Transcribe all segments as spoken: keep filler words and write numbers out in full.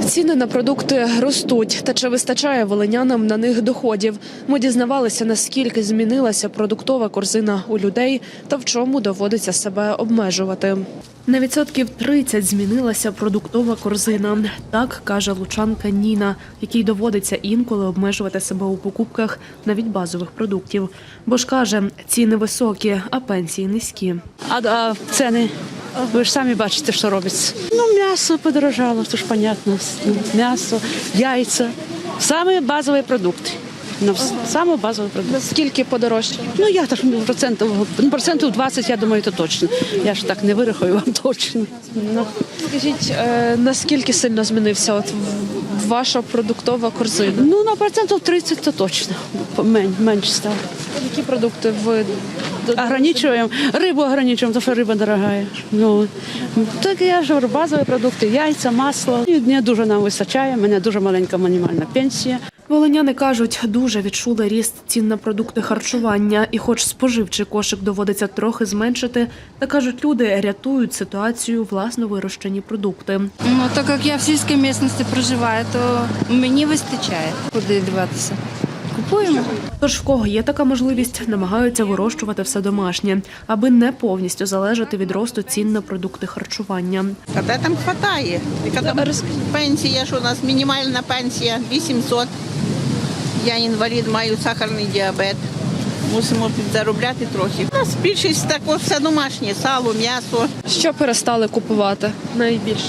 Ціни на продукти ростуть, та чи вистачає волинянам на них доходів? Ми дізнавалися, наскільки змінилася продуктова корзина у людей та в чому доводиться себе обмежувати. На відсотків тридцять змінилася продуктова корзина. Так каже лучанка Ніна, якій доводиться інколи обмежувати себе у покупках навіть базових продуктів. Бо ж каже, ціни високі, а пенсії низькі. А, а ціни? Ви ж самі бачите, що робиться. Ну, м'ясо подорожало, то ж понятно. М'ясо, яйця. Саме базові продукти. Ну, саме базові продукти. Наскільки подорожче? Ну, я так, ну, процентів, ну, процентів двадцять, я думаю, то точно. Я ж так не вирахую вам точно. Ну. Скажіть, е, наскільки сильно змінився от ваша продуктова корзина? Ну, на процентів тридцять то точно. Мен, менше стало. Які продукти ви Ограничуємо, рибу ограничуємо, тому що риба дорога. Ну, так я ж говорю, базові продукти, яйця, масло. І не дуже нам вистачає, у мене дуже маленька мінімальна пенсія. Волиняни кажуть, дуже відчули ріст цін на продукти харчування. І хоч споживчий кошик доводиться трохи зменшити, та кажуть, люди рятують ситуацію власно вирощені продукти. Ну, так як я в сільській місцевості проживаю, то мені вистачає. Куди дивитися? Купуємо. Тож в кого є така можливість, намагаються вирощувати все домашнє, аби не повністю залежати від росту цін на продукти харчування. А де там хватає? Яка там пенсія, що у нас мінімальна пенсія вісімсот. Я інвалід, маю сахарний діабет. Мусимо заробляти трохи. У нас більшість також все домашнє, сало, м'ясо. Що перестали купувати найбільше?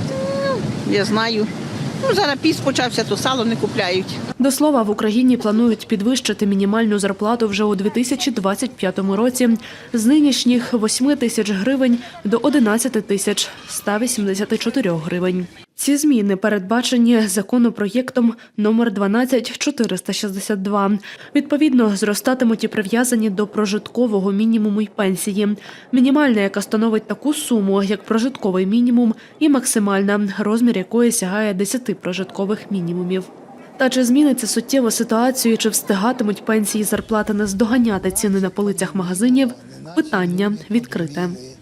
Я знаю. Ну, зараз піс почався, то сало не купляють. До слова, в Україні планують підвищити мінімальну зарплату вже у дві тисячі двадцять п'ятому році з нинішніх восьми тисяч гривень до одинадцяти тисяч ста вісімдесяти чотирьох гривень. Ці зміни передбачені законопроєктом номер дванадцять чотириста шістдесят два. Відповідно, зростатимуть і прив'язані до прожиткового мінімуму й пенсії. Мінімальна, яка становить таку суму, як прожитковий мінімум, і максимальна, розмір якої сягає десяти прожиткових мінімумів. Та чи зміниться суттєво ситуацію, чи встигатимуть пенсії і зарплати наздоганяти ціни на полицях магазинів – питання відкрите.